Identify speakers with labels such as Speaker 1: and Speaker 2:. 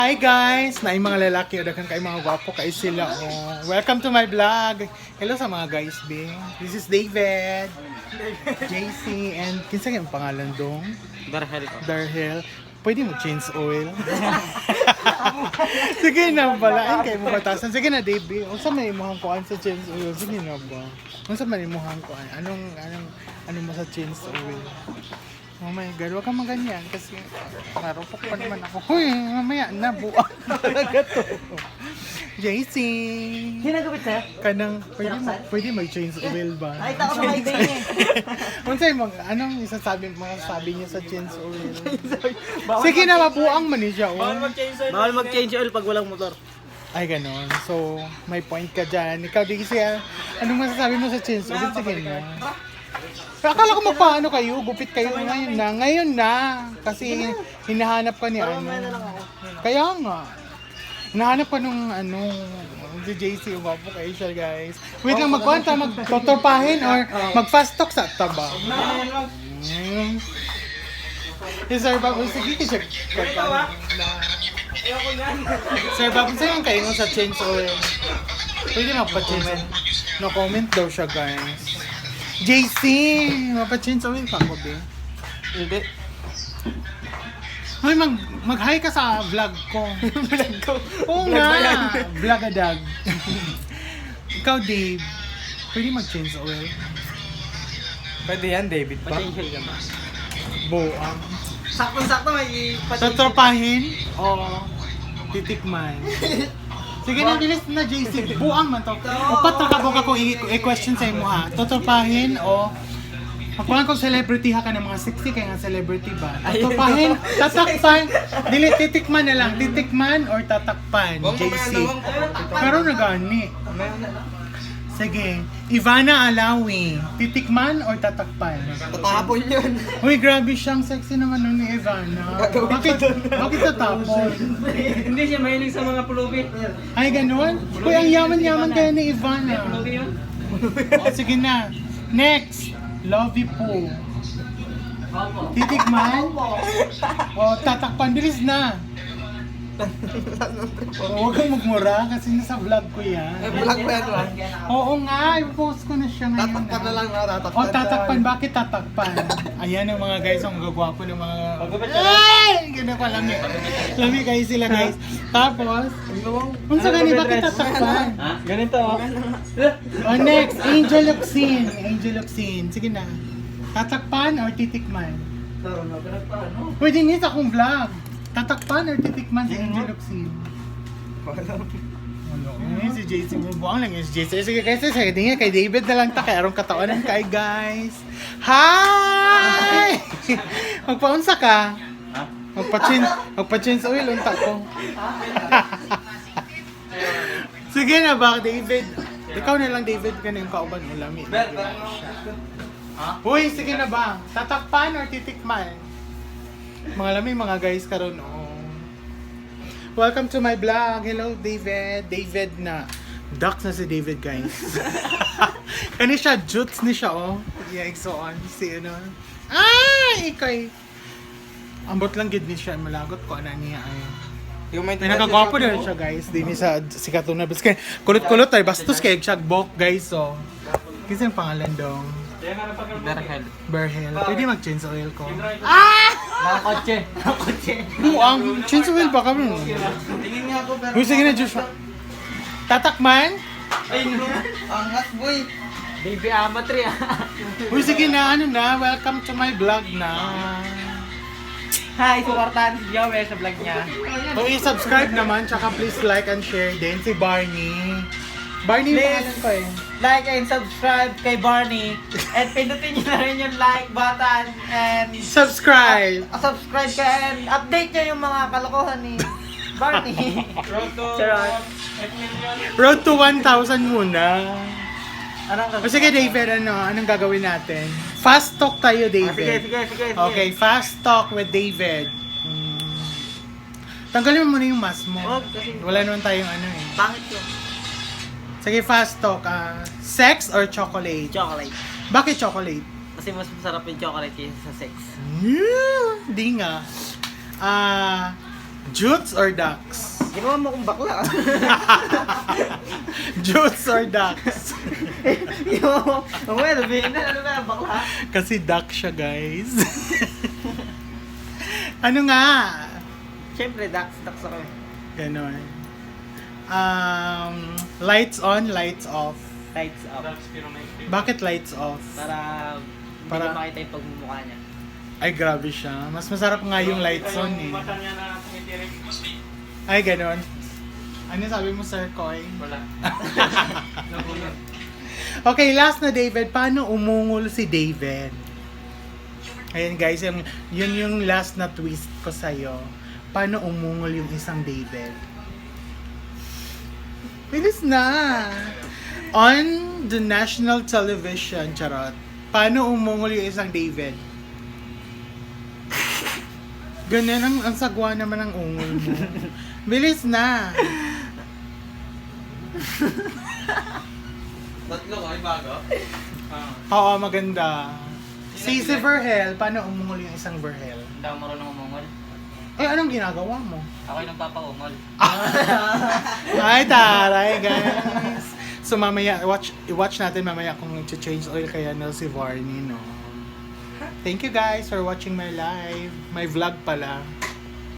Speaker 1: Hi guys! Naay mga lalaki o daghang kay mga gwapo kay sila. Oh. Welcome to my vlog. Hello sa mga guys, be. This is David, JC, and kinsa yung pangalan dong? Darhel. Pwede mo change oil? Sige na, balain kayo mo batasan. Sige na, David. Unsa man imuhang kuan sa change oil? Sige na ba? Unsa man imuhang kuan? Anong mo sa change oil? Oh my God, huwag kang maganyan kasi narupok pa naman ako. Huy, mamaya na, buwak talaga to. JC!
Speaker 2: Ginagabit sa'yo?
Speaker 1: Kanang, pwede mag-change oil ba?
Speaker 2: Ay, tako sa may baby.
Speaker 1: Anong masasabi niya sa change oil? Sige na, mabuang man niya.
Speaker 2: Bawal mag-change oil pag walang motor.
Speaker 1: Ay, ganon. So, may point ka dyan. Ikaw, di kasi, anong masasabi mo sa change oil? Sige na. Pero akala ko magpaano kayo, gupit kayo ngayon na. Kasi hinahanap ka ni ano. Kaya nga. Hinahanap ka nung si JC, umapo kayo siya guys. Wait lang, magkwanta, magtotorpahin or mag-fast talk sa taba. Sir Bob, sige ka siya. Sir Bob, sa'yo kayo sa change oil. Pwede magpa-change. No comment daw siya guys. JC, mapa-change oil pa ko, be?
Speaker 2: Hindi.
Speaker 1: Hoy, mag-hi ka sa vlog ko.
Speaker 2: Vlog ko.
Speaker 1: Oo nga, vlogadag. Ikaw, Dave, pwede mag-change oil?
Speaker 3: Pwede yan, David pa.
Speaker 2: Pa-change oil ka ba?
Speaker 1: Buang.
Speaker 2: Sakto-sakto may
Speaker 1: Tatropahin o titikman? Sige na, bilis na, JC. Buang man to. Upat na kabog ako i-question sa imo ha. Totopahin o magpulang kong celebrity ha ka ng mga sexy kaya nga celebrity ba? Totopahin, tatakpan, dili titikman na lang. Titikman or tatakpan, JC. Pero nagani. Sige, Ivana Alawi, titikman or tatakpan?
Speaker 2: Tatapon yun.
Speaker 1: Uy, grabe siyang sexy naman nun ni Ivana. Bakit tatapon?
Speaker 2: Hindi siya mahilig sa mga pulubi.
Speaker 1: Ay, ganun? Uy, ang yaman-yaman kaya ni Ivana.
Speaker 2: Pulubi yun?
Speaker 1: O, sige na. Next, Lovey Poo.
Speaker 2: Opo.
Speaker 1: Titikman? O, tatakpan. Bilis na. Huwag kang magmura kasi nasa vlog ko yan.
Speaker 3: Vlog pa yan, ba?
Speaker 1: Oo nga, i-post ko na siya ngayon.
Speaker 3: Tatakpan na lang na, tatakpan.
Speaker 1: O, tatakpan. Bakit tatakpan? Ayan ang mga guys, ang gagwapo ng mga... Ay! Ganda pa, lami. Lami kayo sila guys. Tapos, kung sa gani, bakit tatakpan?
Speaker 2: Ganito oh.
Speaker 1: O, next, Angel Luxin. Angel Luxin. Sige na. Tatakpan or titikman? Pwede nito akong vlog. Tatakpan or titikman si Angel Luxin? Si JC mo. Buang lang yung si JC. Sige guys, sige tingin kay David na lang ta. Kaya arong katawanan kay guys. Hi! Magpaunsa ka? Magpa-change oil unta ko. Sige na ba, David? Ikaw na lang, David, ka na yung kauban mo lami. Uy, sige na ba? Tatakpan or titikman? Mga lami, mga guys karon Welcome to my vlog. Hello, David. David na. Ducks na si David, guys. Kani siya, jutes ni siya, oh. Yeah, so on. Si ano. Ay! Ikay. Ambot lang gid ni siya. Malagot ko, ana niya ay. May nakagwapo din siya, guys. Di ni sa Katuna. Kasi kulot-kulot ay bastos kay siya bok, guys, so. Kasi ang pangalan dong. Berhel. Pwede mag-change oil ko.
Speaker 2: Nakakotse.
Speaker 1: Buang, change oil ba kami?
Speaker 3: Tingin niya ako, pero...
Speaker 1: Uy, sige na, Joshua. Tatakman?
Speaker 3: Angat, boy.
Speaker 2: Baby amatry ah.
Speaker 1: Uy, sige na, welcome to my vlog na.
Speaker 2: Hi, supportahan si Joey sa vlog niya.
Speaker 1: So, i-subscribe naman, tsaka please like and share din si Barney. Barney yung pangalan ko eh.
Speaker 2: Like and subscribe kay Barney. And pindutin niyo na rin yung like button and
Speaker 1: Subscribe!
Speaker 2: subscribe ka and update niyo yung mga kalokohan ni Barney. Charot.
Speaker 1: Road to 1,000 muna.
Speaker 2: Anong
Speaker 1: O sige, David, anong gagawin natin? Fast talk tayo, David.
Speaker 2: Sige.
Speaker 1: Okay, fast talk with David. Tanggalin mo muna yung mask mo.
Speaker 2: Wag, kasi-
Speaker 1: Wala naman tayong ano eh.
Speaker 2: Pangit yun.
Speaker 1: Sige, fast talk. Sex or chocolate?
Speaker 2: Chocolate.
Speaker 1: Bakit chocolate?
Speaker 2: Kasi mas masarap yung chocolate kaysa sa sex.
Speaker 1: Di nga. Jutes or ducks?
Speaker 2: Ginawa mo kong bakla.
Speaker 1: Jutes or ducks?
Speaker 2: Ginawa mo. Ang well, sabihin na, ano ba, bakla?
Speaker 1: Kasi duck siya, guys. Ano nga?
Speaker 2: Siyempre, ducks ako.
Speaker 1: Ganon. Lights on, lights off.
Speaker 2: Lights up.
Speaker 1: Bakit lights off?
Speaker 2: Para hindi
Speaker 1: Para-
Speaker 2: ko makita yung pagmumukha niya.
Speaker 1: Ay, grabe siya. Mas masarap nga yung lights on eh.
Speaker 4: Mata niya na tumitirik.
Speaker 1: Ay, ganon. Ano sabi mo, Sir Koy?
Speaker 4: Wala. Nagulat.
Speaker 1: Okay, last na, David. Paano umungol si David? Ayan guys, yun yung last na twist ko sa'yo. Paano umungol yung isang David? Bilis na! On the national television, charot. Paano umungol yung isang David? Ganyan ang sagwa naman ng ungol mo. Bilis na!
Speaker 3: Tatlo kayo bago?
Speaker 1: Oo, maganda. Si Verhel, paano umungol yung isang Verhel?
Speaker 4: Hindi ako marunong umungol.
Speaker 1: Eh, anong ginagawa mo?
Speaker 4: Ako yung nagpapaungol.
Speaker 1: Ay, taray, guys. So, mamaya, watch natin mamaya kung change oil kaya na si Varney, no? Thank you guys for watching my live. My vlog pala.